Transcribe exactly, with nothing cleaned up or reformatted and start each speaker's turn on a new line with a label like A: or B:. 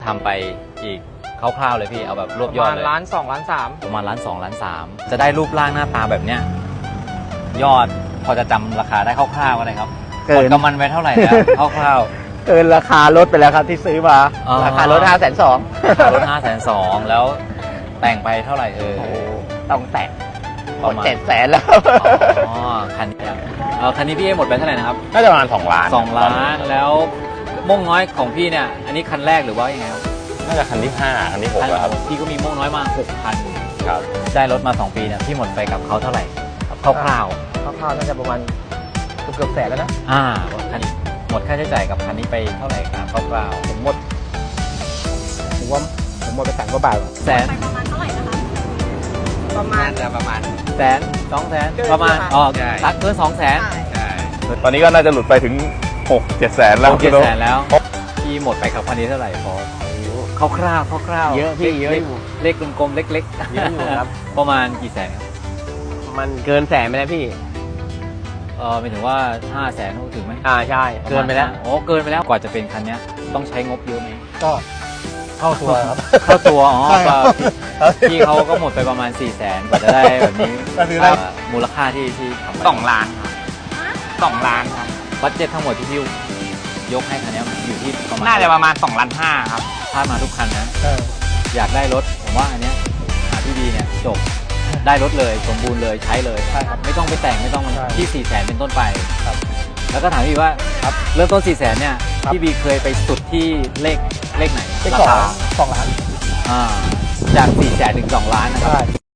A: ทำไปอีกคร่าวๆเลยพี่เอาแบบรวบยอดเลย
B: ประมาณล้านสองล้านสาม
A: ประมาณล้านสองล้านสามจะได้รูปร่างหน้าตาแบบเนี้ยยอดพอจะจำราคาได้คร่าวๆก็ได้ครับเกินกำมันไว้เท่าไหร่แล้วคร่าว
C: ๆเกินราคารถไปแล้วครับที่ซื้อมาราคารถห้าแสนสอง
A: รถห้าแสนสองแล้วแต่งไปเท่าไหร่เออ
C: ต้องแต่ง
A: ประมาณ
C: เจ็ดแสนแล้ว
A: อ๋อคันนี้เออคันนี้พี่หมดไปเท่าไหร่นะครับ
D: น่าจะประมาณสองล้าน
A: สองล้านแล้วม่วงน้อยของพี่เนี่ยอันนี้คันแรกหรือว่ายังไงครับ
D: น่าจะคันที่ห้าคันที่หกแล้วครับ
A: พี่ก็มีม่วงน้อยมาหกพัน
D: ครับ
A: ได้รถมาสองปีเนี่ยพี่หมดไปกับเขาเท่าไหร่คร่าวๆคร่าว
C: ๆน่าจะประมาณเกือบแสนแล้วนะ
A: อ่าคันนี้หมดค่าใช้จ่ายกับคันนี้ไปเท่าไหร่ครับคร่าว
C: ๆผมหมดผมว่าผมหมดไปแสนกว่าบาท
A: แสน
E: ประมาณเท่าไหร่นะคะ
B: ประมาณจะประมาณ
A: แสนสองแสนประมาณอ๋อตักเกินสองแสน
D: ตอนนี้ก็น่าจะหลุดไปถึงหกเจ็ดแสนแล้ว
A: เจ็ดแสนแล้วพี่หมดไปกับคันนี้เท่าไหร่พอคร่าวๆคร่าวๆ
C: เยอะพี่เยอะอยู่
A: เลขกลมๆเล็กๆ
C: เยอะอยู่ครับ
A: ประมาณกี่แสนครับ
C: มันเกินแสนไปแล้วพี่
A: เออหมายถึงว่าห้าแสนถึงไหม
C: อ่าใช่เกินไปแล้ว
A: โอ้เกินไปแล้วกว่าจะเป็นคันนี้ต้องใช้งบเยอะไหม
C: ก็เข้าตัวครับ
A: เข้าตัวอ๋อพี่เขาก็หมดไปประมาณสี่แสนกว่าจะได้แบบนี้มูลค่าที่ที่ทำ
B: สองล้านครับสองล้านครับ
A: บัดเจ็ตทั้งหมดที่พี่ยกให้คันนี้อยู่ที่ประมาณ
B: น่าจะประมาณสองล้านห้าครับ
A: พลาดมาทุกคันนะอยากได้รถผมว่าอันเนี้ยหาพี่ดีเนี่ยจบได้รถเลยสมบูรณ์เลยใช้เลยไม่ต้องไปแต่งไม่ต้องที่สี่แสนเป็นต้นไปแล้วก็ถามพี่ว่าเริ่มต้นสี่แสนเนี่ยพี่บีเคยไปสุดที่เลขเลขไหน
C: ราคาสองล้าน
A: อ่าจากสี่แสนถึงสองล้านนะครับ